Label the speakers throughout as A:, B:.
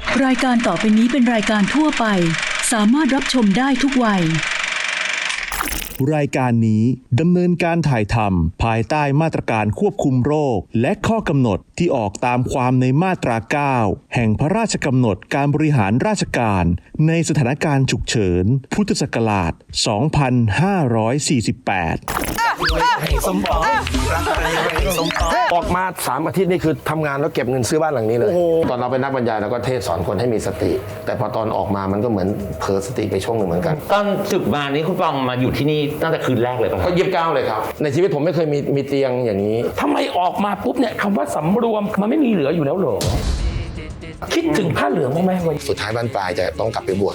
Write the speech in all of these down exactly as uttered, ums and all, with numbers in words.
A: รายการต่อไปนี้เป็นรายการทั่วไปสามารถรับชมได้ทุกวัย
B: รายการนี้ดำเนินการถ่ายทำภายใต้มาตรการควบคุมโรคและข้อกำหนดที่ออกตามความในมาตรา เก้า แห่งพระราชกำหนดการบริหารราชการในสถานการณ์ฉุกเฉินพุทธศักราช สองพันห้าร้อยสี่สิบแปด
C: ให้สมปองรักอะไรให้สมปองออกมาสามอาทิตย์นี่คือทำงานแล้วเก็บเงินซื้อบ้านหลังนี้เลยตอนเราเป็นนักบรรยายเราก็เทศสอนคนให้มีสติแต่พอตอนออกมามันก็เหมือนเผลอสติไปช่วงหนึ่งเหมือนกัน
D: ตอนศึกมานี้คุณปองมาอยู่ที่นี่ตั้งแต่คืนแรกเลยป่ะ
C: ก็ยี่สิบเก้าเลยครับในชีวิตผมไม่เคยมีมีเตียงอย่างนี้
E: ทำไมออกมาปุ๊บเนี่ยคำว่าสำรวมมันไม่มีเหลืออยู่แล้วเหรอคิดถึงผ้าเหลืองบ้างไหมวัน
C: สุดท้ายบ้านปลายจะต้องกลับไปบวช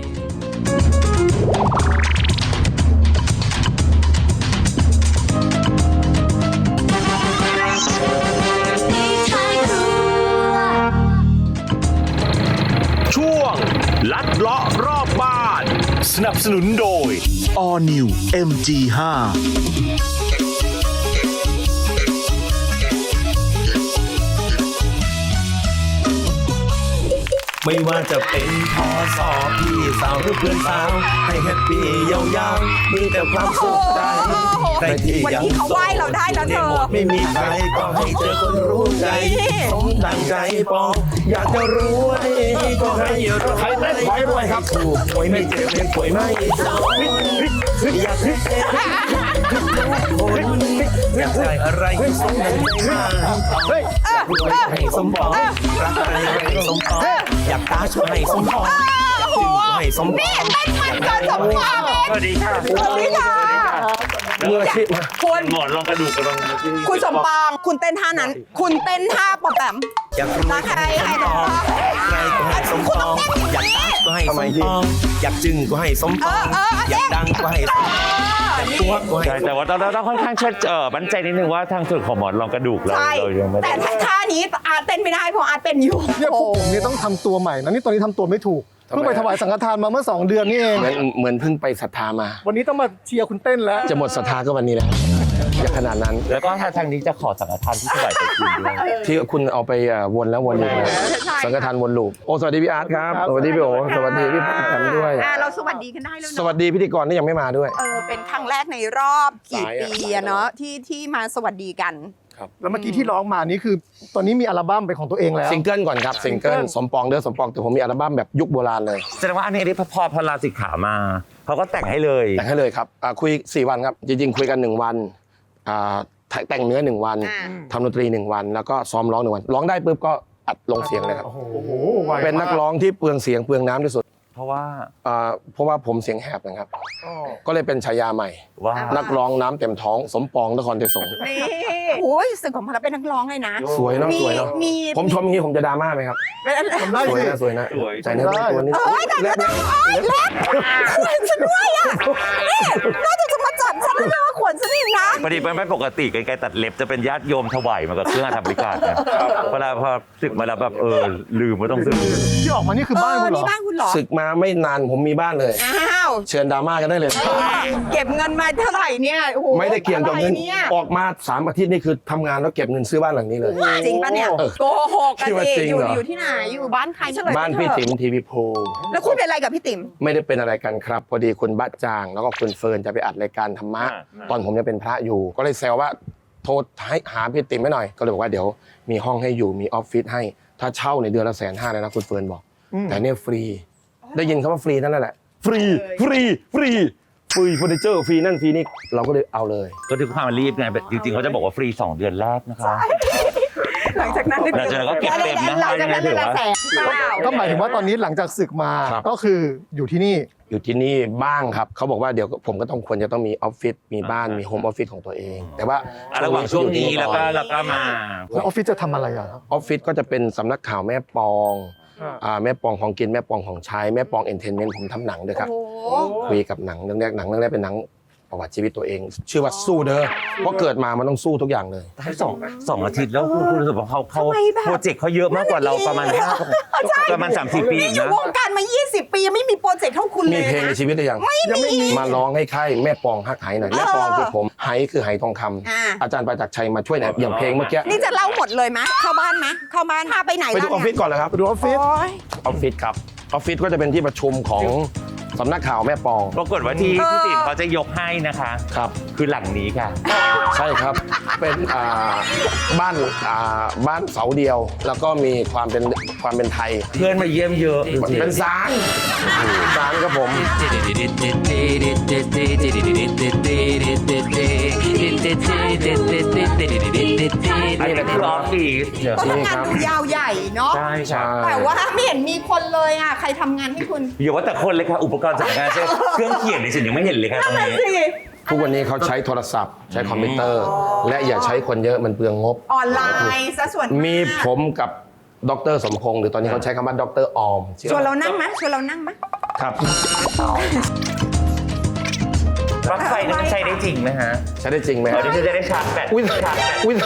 B: ช่วงลัดเลาะรอบบ้านสนับสนุนโดย All New เอ็ม จี ไฟว์
C: ไม่ว่าจะเป็นพอสอพี่สาวหรือเพื่อนสาวให้แฮปปี้ยาวๆมีแต่ความสุขใจใครที่วันนี้เขาไหว้เราได้แล้วเธอไม่มีใครก็ให้เจอคนรู้ใจสมดังใจปองอยากจะรู้ว่านี่ก็ให้เราใครได้ขอให้รวยครับถูกหวยไม่เจ็บไม่ป่วยไม่เศร้าอยากให้อยากได้อะไรให้สมดังใจมาอยากรวยให้สมปองรักอะไรให้สมปองอยากตาช่วยให้สมปองอยากถึงให้สมปอง
F: นี่เป็นมันเกิดสมปองเอง
D: สวัสดีค่ะ
F: สวัสดีค่ะ
C: เมื่อชิดมา
F: คุณ
D: หมอนลองกระดูกกระดอง
F: คุณสมปองคุณเต้นท่านั้นคุณเต้นท่าปอมแปม
C: อยากรวย
F: ใครใครต้อง
C: ใครก็ให้สมปองอยากตาก็ให้สมปองอยากจึงก็ให้สมปองอยากดังก็ให้สมปองอยากตัวก็ให้
D: แต่ว่าเราต้องค่อนข้างเชื่อเออมั่นใจนิดนึงว่าทางส่วนของหมอนรองกระดูกเราเรายังไม่
F: แต่ท่านี้อาร์ตเต้นไม่ได้เพราะอาร์ตเป็นอยู่
G: เนี่ยพวกผมเนี่ยต้องทำตัวใหม่นะนี่ตอนนี้ทำตัวไม่ถูกเพิ่งไปถวายสังฆทานมาเมื่อสองเดือนนี่เอง
C: เหมือนเหมือนเพิ่งไปศรัทธามา
G: วันนี้ต้องมาเชียร์คุณเต้นแล้ว
C: จะหมดศรัทธาก็วันนี้แล้วอย่าขนาดนั้น
D: แล้วก็ทางนี้จะขอสังฆทานที่ถวายไปคืนด้วย
C: ที่คุณเอาไปวนแล้ววนอีกสังฆทานวนลูปโอ้สวัสดีพี่อาร์ตครับสวัสดีพี่โอสวัสดีพี่แอมด้วย
F: เราสวัสดีกันได้แล้ว
C: สวัสดีพิธีกรที่ยังไม่มาด้วย
F: เออเป็นครั้งแรกในรอบกี่ปีอะเนาะที่ที่มาสวัสดีกัน
G: แล้วเมื่อกี้ที่ร้องมานี่คือตอนนี้มีอัลบั้มเป็นของตัวเองแล้ว
C: ซิงเกิลก่อนครับซิงเกิลสมปองเด้อสมปองแต่ผมมีอัลบั้มแบบยุคโบราณเลย
D: แสดงว่าอันนี้ที่พอพอลาสิกขามาเขาก็แต่งให้เลย
C: แต่งให้เลยครับคุยสี่วันครับจริงๆคุยกันหนึ่งวันแต่งเนื้อหนึ่งวันทำดนตรีหนึ่งวันแล้วก็ซ้อมร้องหนึ่งวันร้องได้ปุ๊บก็อัดลงเสียงเลยครับเป็นนักร้องที่เปลืองเสียงเปลืองน้ำที่สุด
D: เพราะว่า
C: เพราะว่าผมเสียงแหบนะครับก็เลยเป็นฉายาใหม่
D: ว่า
C: นักร้องน้ำเต็มท้องสมปองนครเทศง
F: นี่โอ้ยสึกของพลังเป็นนักร้องเลยนะ
C: สวยเนาะสวยเนาะผมชมอย่างนี้ผมจะดราม่าไหมครับสวยนะสวยนะใจเนื้อตัวนี้
F: เล็บเล็บขวนฉันด้วยอ่ะน่าจะจะมาจับฉันแล้วว่าขวนฉันอีกนะ
D: พอดีไม่ปกติไกลๆตัดเล็บจะเป็นญาติโยมถวายมากับเครื่องทำบริการเนี่ยเวลาพอสึกมาแล้วแบบเออลืมไม่ต้องสึก
G: ที่ออกมานี่คือบ้านคุณเหรอ
F: นี่บ้านคุณเหรอ
C: สึกมาไม่นานผมมีบ้านเลย
F: อ้าว
C: เชิญดราม่ากันได้เลย
F: เก็บเงินมาเท่าไหร่เนี่ยโอ้โห
C: ไม่ได้เกี่ยวกับเงินออกมาสามอาทิตย์นี่คือทำงานแล้วเก็บเงินซื้อบ้านหลังนี้เลย
F: จริงปะเนี่ยโกหกกันสิอยู่อยู่ที่ไหนอยู่บ้านใคร
C: บ้านพี่ติ๋มทีวีโพ
F: แล้วคุณเป็นอะไรกับพี่ติ๋ม
C: ไม่ได้เป็นอะไรกันครับพอดีคุณบ้าจางแล้วก็คุณเฟิร์นจะไปอัดรายการธรรมะตอนผมยังเป็นพระอยู่ก็เลยแซวว่าโทรให้หาพี่ติ๋มให้หน่อยก็เลยบอกว่าเดี๋ยวมีห้องให้อยู่มีออฟฟิศให้ถ้าเช่าในเดือนละแสนห้าเลยนะคุณเฟิร์นบอกแต่เนี่ยฟรีได้ยินคำว่าฟรีนั่นแหละฟรีฟรีฟรีฟรีเฟอร์นิเจอร์ฟรีนั่นฟรีนี่เราก็เลยเอาเลย
D: ก็ด้วยความรีบไงจริงๆเขาจะบอกว่าฟรีสองเดือนแรกนะคะ
F: หลังจากนั้น
D: หลังจากนั้นก็เก็บเต็มนะ
F: หลังจากนั้นเลยละแสน
G: ก็หมายถึงว่าตอนนี้หลังจากศึกมาก็คืออยู่ที่นี่
C: อยู่ที่นี่บ้างครับเขาบอกว่าเดี๋ยวผมก็ต้องควรจะต้องมีออฟฟิศมีบ้านมีโฮมออฟฟิศของตัวเองแต่ว่า
D: ระหว่างช่วงนี้แล้วก็แล้วก็มา
G: แล้วออฟฟิศจะทำอะไรอ่ะ
C: ออฟฟิศก็จะเป็นสำนักข่าวแม่ปองแม่ปองของกินแม่ปองของใช้แม่ปองเอนเตอร์เทนเมนต์ผมทำหนังด้วยครับคุยกับหนังเรื่องแรกหนังเรื่องแรกเป็นหนัง
H: ประวัติชีวิตตัวเอง ชื่อว่าสู้เด้อเพราะเกิดมามันต้องสู้ทุกอย่างเลย
D: ให้สองสองอาทิตย์แล้วคุณรู้สึกว่าเขาเขาโปรเจกต์เขาเยอะมากกว่าเราประมาณห้าประมาณสามสี่ปี
F: นี่อยู่
D: นะ
F: วงการมายี่สิบปียังไม่มีโปรเจกต์เท่าคุณเล
H: มี
F: ย
H: เพลงใน
F: นะ
H: ชีวิตหรือยัง
F: ไม่มี
H: มาร้องให้ค่ายแม่ปองฮักไหหน่อยแม่ปองคือผมไหคือไหทองคำ
F: อ่า
H: อาจารย์ประจักษ์ชัยมาช่วยเนี่ยอย่างเพลงเมื่อกี้
F: นี่จะเล่าหมดเลยไหมเข้าบ้านไหมเข้าบ้านพาไปไหน
H: ไปดูออฟฟิศก่อนเลยครับ
G: ไปดูออฟฟิศ
F: โอ๊ย
H: ออฟฟิศครับออฟฟิศก็จะเป็นที่ประชุมของสำนักข่าวแม่ปอง
D: ปรากฏว่าที่พี่ติ๋มเขาจะยกให้นะคะ
H: ครับ
D: คือหลังนี้ค่ะ
H: ใช่ครับ เป็นอ่าบ้านอ่าบ้านเสาเดียว แล้วก็มีความเป็นความเป็นไทย
D: เพื่อนมาเยี่ยมเยอะจริงๆ
H: เป็นศาลศาลครับผม
D: อันนี้คือออฟฟิศ
F: ก็ทำงานดูยาวใหญ่เนาะ
D: ใช่ใช่
F: แต่ว่าไม่เห็นมีคนเลยอ่ะใครทำงานให้คุณ
D: อย่าว่าแต่คนเลยค่ะอุปกรณ์จัดงานเช่นเครื่องเขียนในสิ่งยังไม่เห็นเลยค่ะตรงนี้
F: สิ
H: ทุกวันนี้เขาใช้โทรศัพท์ใช้คอมพิวเตอร์ และอย่าใช้คนเยอะมันเปลืองงบ
F: ออนไลน์ซะส่วนาก
H: มีผมกับดรสมพงษ์หรือตอนนี้เขาใช้คำว่าดรออม
F: ชวนเรานั่งไหมชวนเรานั่งไหม
H: ครับ
D: ปลั๊กไฟนี่มันใช้ได้จริงไหมฮะ
H: ใช้ได้จริงไหม
D: เออที่จะได้ชาร์จแบต
H: อุ้ย
D: ชาร์จแบต
H: อุ้ย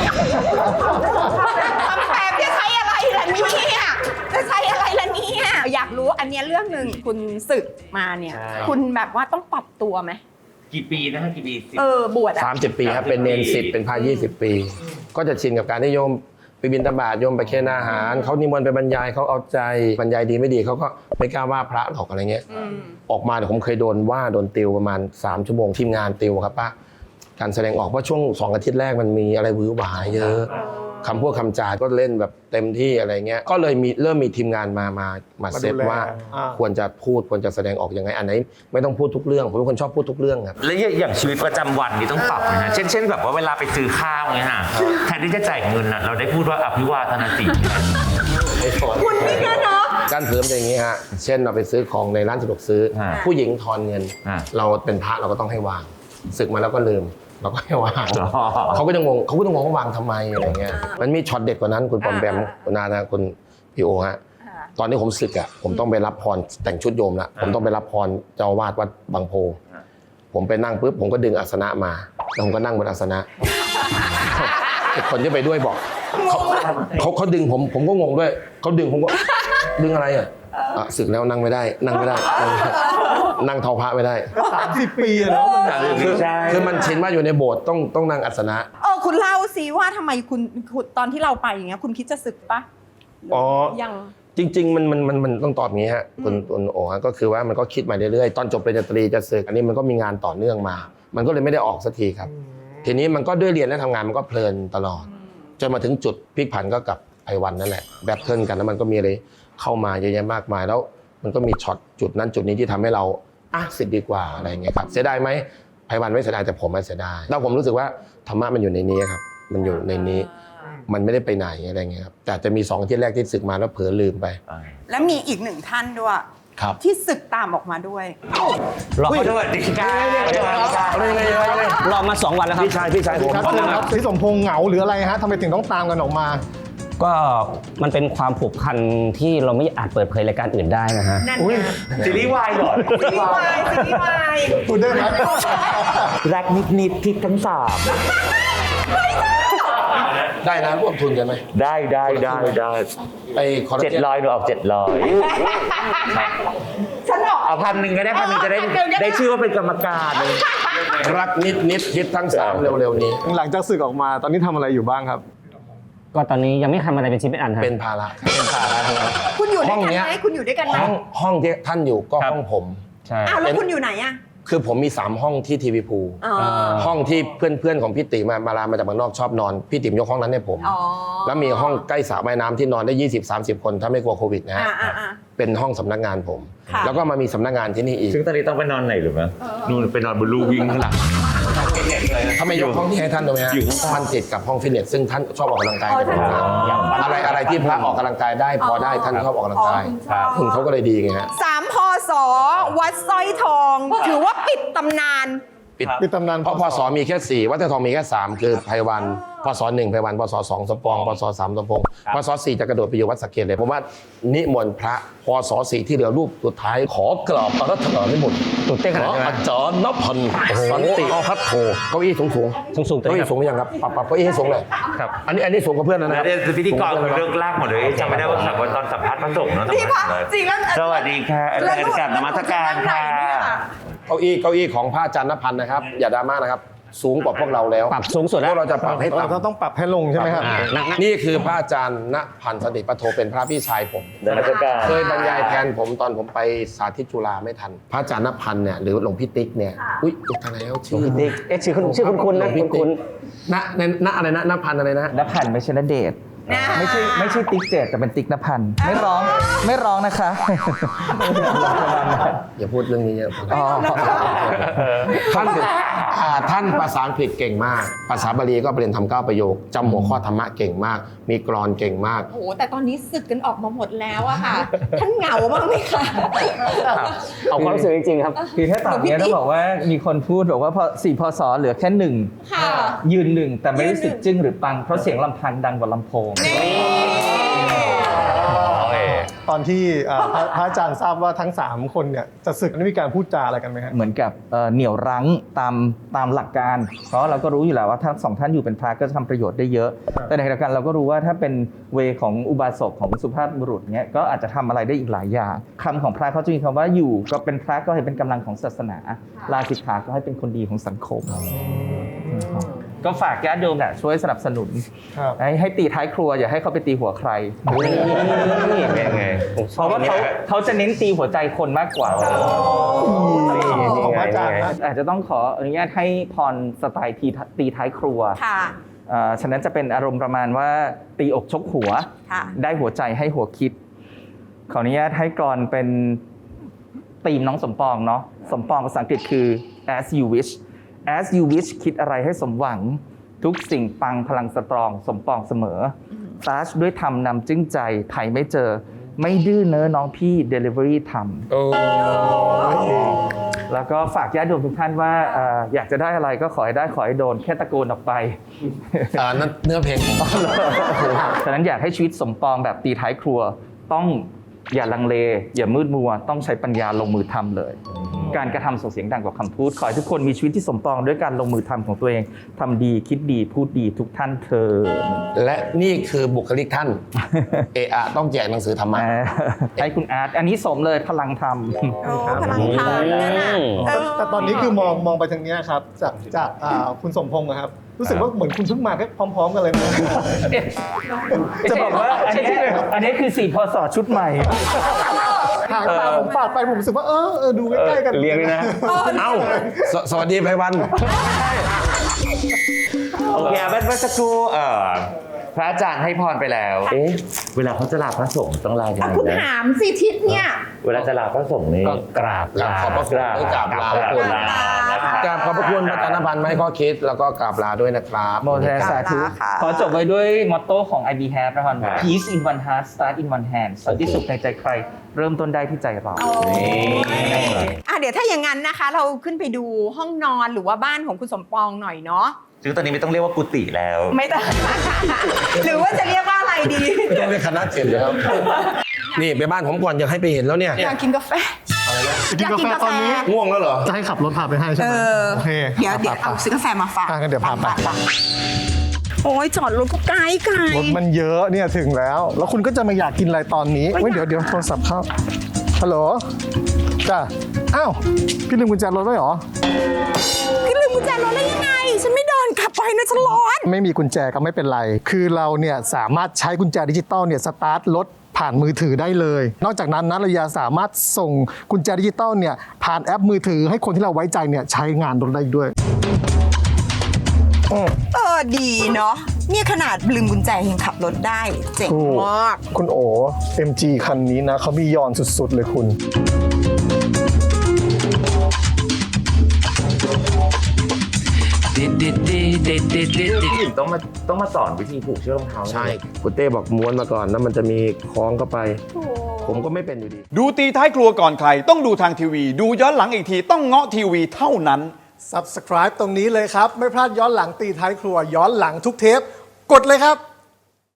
F: ทำแบบจะใช้อะไรล่ะเนี่ยจะใช้อะไรล่ะเนี่ยอยากรู้อันเนี้ยเรื่องหนึ่งคุณศึกมาเนี่ย คุณแบบว่าต้องปรับตัวไหม
D: กี่ปีนะฮะกี่ปีสิบ
F: เออบวชอะ
H: สามสิบปีครับเป็นเนนสิบเป็นพระยี่สิบปี ก็จะชินกับการที่โยมไปบิณฑบาตโยมไปเคนอาหารเขานิมนต์ไปบรรยายเขาเอาใจบรรยายดีไม่ดีเขาก็ไม่กล้าว่าพระหรอกอะไรเงี้ย
F: อืม
H: ออกมาเดี๋ยวผมเคยโดนว่าโดนติวประมาณสามชั่วโมงทีมงานติวครับป้าการแสดงออกเพราะช่วงสองอาทิตย์แรกมันมีอะไรวื้อหวาเยอะคำพูดคำจาก็เล่นแบบเต็มที่อะไรเงี้ยก็เลยมีเริ่มมีทีมงานมามามาเซตว่าควรจะพูดควรจะแสดงออกยังไงอันไหนไม่ต้องพูดทุกเรื่องผมเป็นคนชอบพูดทุกเรื่องครับ
D: แล้วอย่างชีวิตประจำวันนี่ต้องปรับนะฮะเช่นเช่นแบบว่าเวลาไปซื้อข้าวเนี่ยฮะแทนที่จะจ่ายเงินน่ะเราได้พูดว่าอภิวาทนาสี
F: คุณนี่นะเนาะ
H: การเพิ่มเป็นอย่างนี้ฮะ เช่นเราไปซื้อของในร้านสะดวกซื้อ
D: อ่า
H: ผู้หญิงทอนเงิน
D: อ่า
H: เราเป็นพระเราก็ต้องให้วางศึกมาแล้วก็ลืมเราก็ให้วาง
D: อ๋อ
H: เขาก็จะงงเขาก็ต้องงงว่าวางทำไมอะไรเงี้ยมันมีช็อตเด็ดกว่านั้นคุณปอมแปม
F: อ่า
H: คุณนานะคุณพี่โอฮะตอนนี้ผมศึกอ่ะผมต้องไปรับพรแต่งชุดโยมละผมต้องไปรับพรเจ้าอาวาสวัดบางโพ ผมไปนั่งปุ๊บผมก็ดึงอาสนะมาแล้วผมก็นั่งบนอาสนะ คนที่ไปด้วยบอกเขาเขาเขาดึงผมผมก็งงด้วยเขาดึงผมก็ดึงอะไรอ่ะอ่ะศึกแล้วนั่งไม่ได้ นั่งไม่ได้นั่งไม่ได้นั่งเท้าพระไม่ได้
G: สามสิบปีอะเนาะมัน
H: คือคือมันชินว่าอยู่ในโบสถ์ต้องต้องนั่งอาสนะ
F: เออคุณเล่าสิว่าทำไมคุณคุณตอนที่เราไปอย่างเงี้ยคุณคิดจะศึกปะ
H: อ๋อ
F: ยัง
H: จริงๆมันมันมันมันต้องตอบอย่างนี้ฮะคุณคุณโอฮะก็คือว่ามันก็คิดมาเรื่อยๆตอนจบปริญญาตรีจะศึกอันนี้มันก็มีงานต่อเนื่องมา มันก็เลยไม่ได้ออกสักทีครับ ทีนี้มันก็ด้วยเรียนและทำงานมันก็เพลินตลอดจนมาถึงจุดพลิกผันก็กับไพวันนั่นแหละแบทเทิลกันแล้วมันก็มีอะไรเข้ามาเยอะแยะมากมายแล้วมันก็มีช็อตจุดนั้นจุดนี้ที่ทำให้เราอ่ะสิทธิ์ดีกว่าอะไรอย่างเงี้ยครับเสียดายไหมไพวันไม่เสียดายแต่ผมไม่เสียดายแล้วผมรู้สึกว่าธรรมะมันอยู่ในนี้ครับมันอยู่ในนี้มันไม่ได้ไปไหนอะไรเงี้ยครับแต่จะมีสองที่แรกที่ศึกมาแล้วเผลอลืมไป
F: แล้วมีอีกหนึ่งท่านด้วย
H: ครับ
F: ที่ศึกตามออกมาด้วย
D: รอสวัสดีครับ
I: รอมาสองวันแล้วครับ
H: พี่ชายพี่ชายผม
G: ครับครับพี่สมพงษ์เหงาหรืออะไรฮะทำไมถึงต้องตามกันออกมา
I: ก็มันเป็นความผูกพันที่เราไม่อาจเปิดเผยรายการอื่นได้นะฮะ
F: นั่น
G: อุ้ย
F: ไง
D: ซีรีส์วายเหรอ
F: ซีรีส์วายซีรีส์วาย
G: พูดได้ไหม
D: รักนิดนิดทิศทั้งสาม
H: ได้นะร่วมทุนกันไหม
D: ได้ได้ได้ได้
H: ไอ้คอร์
D: เจ็ด
H: เจน
D: ร้อยหนูออกเจ็ดร้อย
F: ฉันออก
D: เอาพันหนึ่งก็ได้พันหนึ่งจะได้ได้ชื่อว่าเป็นกรรมการเลย
H: รักนิดนิดฮิตทั้งสามเร็วๆนี้
G: หลังจากศึกออกมาตอนนี้ทำอะไรอยู่บ้างครับ
I: ก็ตอนนี้ยังไม่ทำอะไรเป็นชิ้นเป็นอันครับ
H: เป็นภาระครับเป็นภาระทั้งนั้น
F: คุณอยู่ด้วย
H: ห้อง
F: กัน
H: เนี้ย
F: ไหมคุณอยู่ด้วยกันไหม
H: ห้องห้องที่ท่านอยู่ก็
I: ครับ
H: ห้องผม
I: ใช่
F: อ้าวแล้วคุณอยู่ไหนอะ
H: คือผมมีสามห้องที่ทีวีพู
F: อ๋อ
H: ห้องที่เพื่อนๆของพี่ติ๋มมามาลามาจากเมืองนอกชอบนอนพี่ติ๋มยกห้องนั้นให้ผม
F: อ๋อ
H: แล้วมีห้องใกล้สระว่ายน้ำที่นอนได้ ยี่สิบสามสิบ คนถ้าไม่กลัวโควิดนะฮะ
F: อ่าอ่าอ่า
H: เป็นห้องสำนักงานผม
F: ค่ะ
H: แล้วก็มามีสำนักงานที่นี่อีก
D: ซึ่งตอนนี้ต้องไปนอนไหนหรือเปล่านู่นไปนอนบนลูวิ่งข้างหลัง
H: ถ้าไม่ยกห้องที่ให้ท่านดูไหมฮะ
D: อยู่
H: มันติดกับห้องฟิตเนสซึ่งท่านชอบออกกำลังกายแต่ผมนะอะไรอะไรที่พระออกกำลังกายได้พอได้ท่านชอบออกกำลังกาย
F: อ๋อคุณชอบ
H: คุณเขาก็เลยดีไงฮะ
F: สามพศวัดสร้อยทอง ถือว่าปิดตำนาน
H: ปิด
G: ปิดตำนาน
H: เพราะพศมีแค่สี่วัดแต่ทองมีแค่สามคือไพวันพพศหนึ่งไปวันพศสองสมปองพศสามสมพงษ์พศสี่จะกระโดดไปอยู่วัดสระเกษเลยผมว่านิมนต์พระพศสี่ที่เหลือรูปสุดท้ายขอกราบพระรัตนานิมนต์
I: ตื่นเต้นขนาดนั้น
H: อาจารย์นพันธ์สันติพัฒโธเก้าอี้สูงสูง
I: สูงสูงๆตัว
H: เก้า
I: นี้
H: อี้
I: ครับ
H: สูงหรือยังครับปรับปรับเก้าอี้ให้สูงเลย
I: ครับ
H: อันนี้อันนี้สูงกว่าเพื่อนนะ
D: แล้ว
H: นะ
D: เดี๋ยวพิธีกรเรื่องลากหมดเลยจำไม่ได้ว่าสักวันตอนสัมภาษณ์พระสงฆ์เนาะ
F: พี่พระจริงแล้ว
D: สวัสดีค่ะอาจารย์กราบนมัสการค่ะ
H: เก้าอี้เก้าอี้ของพระอาจารย์นพันธ์นะครับอย่าดราม่านะครับสูงกว่าพวกเราแล้ว
I: ปรับสูงสุด
H: พ
I: แล้ว
H: วกเราจะปรับให้
G: เรา
H: ต่ำ
G: ต้องปรับให้ลงใช่ไหมครับ
H: นี่คือพระอาจารย์ณพันธ์สติปัทโทเป็นพระพี่ชายผม
D: นมัสการ
H: เคยบรรยายแทนผมตอนผมไปสาธิตจุฬาไม่ทัน พระอาจารย์ณพันธ์เนี่ยหรือหลวงพี่ติ๊กเนี่ยอุ้ยอุทานแล้วชื่อ
I: ติ๊กเอ๊ะชื่อคุณชื่อคุณคุณนะ
H: หลวงพี่
I: คุณ
H: ติ๊
I: คุ
H: ก
I: ณ
H: ณณณอะไรนะณพันธ์อะไรนะ
J: นภันไม่ใช่ณเดชน์ไม่ใช่ไม่ใช่ติ๊กเจดแต่เป็นติ๊กนภันไม่ร้องไม่ร้องนะคะ
H: อย่าพูดเรื่องนี้เยอะ
J: อ๋อ
H: ท่านอ่าท่านภาษาอังกฤษเก่งมาก ภาษาบาลีก็เรียนทำเก้าประโยคจำหัวข้อธรรมะเก่งมาก มีกลอนเก่งมาก
F: โอ้โหแต่ตอนนี้สึกกันออกมาหมดแล้วอะค่ะ ท่านเหงาบ้างไหมคะ
I: เอาความรู้สึกจริงๆครับ
J: คือถ้าตอนนี้ต้องบอกว่ามีคนพูดบอกว่าพอสี่พศเหลือแค่หนึ่ง
F: ค่ะ
J: ยืนหนึ่งแต่ไม่รู้สึกจึ้งหรือปังเพราะเสียงลำพังดังกว่าลำโพง
G: ตอนที่อ่าพระพระอาจารย์ทราบว่าทั้งสามคนเนี่ยจะศึกได้มีการพูดจาอะไรกันไหมฮะ
J: เหมือนกับเอ่อเหนี่ยวรั้งตามตามหลักการ เพราะเราก็รู้อยู่แล้วว่าทั้งสองท่านอยู่เป็นพระก็จะทำประโยชน์ได้เยอะ แต่ในขณะเดียวกันเราก็รู้ว่าถ้าเป็นเวของอุบาสกของสุภาพบุรุษเนี้ยก็อาจจะทำอะไรได้อีกหลายอย่างคำของพระเขาจะมีคำว่าอยู่ก็เป็นพระก็ให้เป็นกำลังของศาสนาลาสิกขาก็ให้เป็นคนดีของสังคม ก็ฝากญาติโยมเนี่ยช่วยสนับสนุน
G: ครับ
J: ให้ให้ตีท้ายครัวอย่าให้เขาไปตีหัวใคร
I: นี่เป็นไง
J: เพราะว่าเขาเขาจะเน้นตีหัวใจคนมากกว่า
G: ของพระอาจารย์นะ
J: อาจจะต้องขออนุญาตให้พรสไตล์ตีตีท้ายครัว
F: ค่ะ
J: เอ่อฉะนั้นจะเป็นอารมณ์ประมาณว่าตีอกชกหัว
F: ค่ะ
J: ได้หัวใจให้หัวคิด ขออนุญาตให้กรอนเป็นธีมน้องสมปองเนาะสมปองภาษาอังกฤษคือ as you wish as you wish คิดอะไรให้สมหวัง ทุกสิ่งปังพลังสตรองสมปองเสมอซัชด้วยธรรมนำจึ้งใจไถ่ไม่เจอ ไม่ดื้อเน้อน้องพี่ delivery ทำ
H: โอ้
J: แล้วก็ฝากญาติโยมทุกท่านว่าเอ่ออยากจะได้อะไรก็ขอให้ได้ขอให้โดนแค่ตะโกนออกไป
H: อ่านั่นเนื้อเพลงผม
J: ฉะนั้นอยากให้ชีวิตสมปองแบบตีท้ายครัว ต้องอย่าลังเล อย่ามืดมัว ต้องใช้ปัญญาลงมือทำเลย การกระทำส่งเสียงดังกว่าคำพูด ขอให้ทุกคนมีชีวิตที่สมปองด้วยการลงมือทำของตัวเองทำดีคิดดีพูดดีทุกท่านเถิด
H: และนี่คือบุคลิกท่าน เอะอะต้องแจกหนังสือธรรมะ
J: เอ่อให้คุณอาร์ตอันนี้สมเลยพลังธรรม
F: โอ้พลังทานนั่นน่ะเออ
G: แต่ตอนนี้คือมองมองไปทางเนี้ยครับจากจากอ่าคุณสมพงษ์นะครับรู้สึกว่าเหมือนคุณเพิ่งมาแค่พร้อม ๆ กันเลยนะ
J: จะบอกว่าอันนี้อันนี้คือสี่พศชุดใหม่
G: หางตาผมปาดไปผมรู้สึกว่าเออเออดูใกล้ๆกัน
I: เรียงเลยนะ
H: เอ้าสสวัสดีไพวัน
D: โอเคเมื่อสักครู่เอ่อพระอาจารย์ให้พรไปแล้ว เอ๊ะ เวลาเขาจะลาพระสงฆ์ต้องลายัง
F: อ่ะ
D: ไง
F: คุณ
D: นะ
F: ถามสิทิศเนี่ย
D: เวลาจะลาพระสงฆ์นี่
H: ก็กราบลาขอบพระคุณกราบลา
D: กราบลานะครับ
H: กราบขอบพระคุณพระอาจารย์นภันธ์ไม่ข้อคิด แล้วก็กราบลาด้วยนะครับ
J: โมเทสาธุ
F: ค่ะ
J: ขอจบไว้ด้วยมอตโต้ของ ไอ บี Have นะครับ Peace in one heart start in one hand สันติสุขในใจใคร เริ่มต้นได้ที่ใจเรา
F: อ่ะเดี๋ยวถ้าอย่างนั้นนะคะ เราขึ้นไปดูห้องนอนหรือว่าบ้านของคุณสมปองหน่อยเนาะ
D: ซึ่งตอนนี้ไม่ต้องเรียกว่ากุฏิแล้ว
F: ไม่ต้อง หรือว่าจะเรียกว่าอะไรดี
H: ไม่ต้องเรียกคณะเจ็ดเลยครับ นี่ไปบ้านผมก่อนอยากให้ไปเห็นแล้วเนี่ย
F: อยากกินกาแฟ
G: กินกาแฟตอนนี้
H: ง่วงแล้วเหรอ
G: จะให้ขับรถพาไปให้ใช่
F: เอ
G: ไหม
F: อ
G: โอเค
F: เดี๋ยวเดี๋ยวเอาซื้อกาแฟมาฝาก
G: อ่ะงั้นเดี๋ยวพาไป
F: โอ้ยจอดรถก็ไกลไกล
G: รถมันเยอะเนี่ยถึงแล้ว แล้วคุณก็จะมาอยากกินอะไรตอนนี้เว้ยเดี๋ยวเดี๋ยวโทรศัพท์เข้าฮัลโหลจ้ะอ้าวพี่ลืมกุญแจรถไว้เหรอ
F: พี่ลืมกุญแจรถได้ยังไง ฉันไม่เดินขับไปนะฉันร้อน
G: ไม่มีกุญแจก็ไม่เป็นไร คือเราเนี่ยสามารถใช้กุญแจดิจิตอลเนี่ยสตาร์ทรถผ่านมือถือได้เลย นอกจากนั้นนะเรายังสามารถส่งกุญแจดิจิตอลเนี่ยผ่านแอปมือถือให้คนที่เราไว้ใจเนี่ยใช้งานรถได้อีกด้วย
F: เออดีเนาะเนี่ยขนาดลืมกุญแจยังขับรถได้เจ๋งมาก
G: คุณโอ เอ็ม จี คันนี้นะเขามียอนสุดๆเลยคุณ
D: ต้องมาต้องมาสอนวิธีผูกเชือกรองเท้า
H: ใช่คุณเต้บอกม้วนมาก่อนแล้วมันจะมีคล้องเข้าไป ผมก็ไม่เป็นอยู่ดี
K: ดูตีท้ายครัวก่อนใคร ต้องดูทางทีวี ดูย้อนหลังอีกทีต้องเงาะทีวีเท่านั้น
G: Subscribe ตรงนี้เลยครับ ไม่พลาดย้อนหลังตีท้ายครัวย้อนหลังทุกเทปกดเลยครับ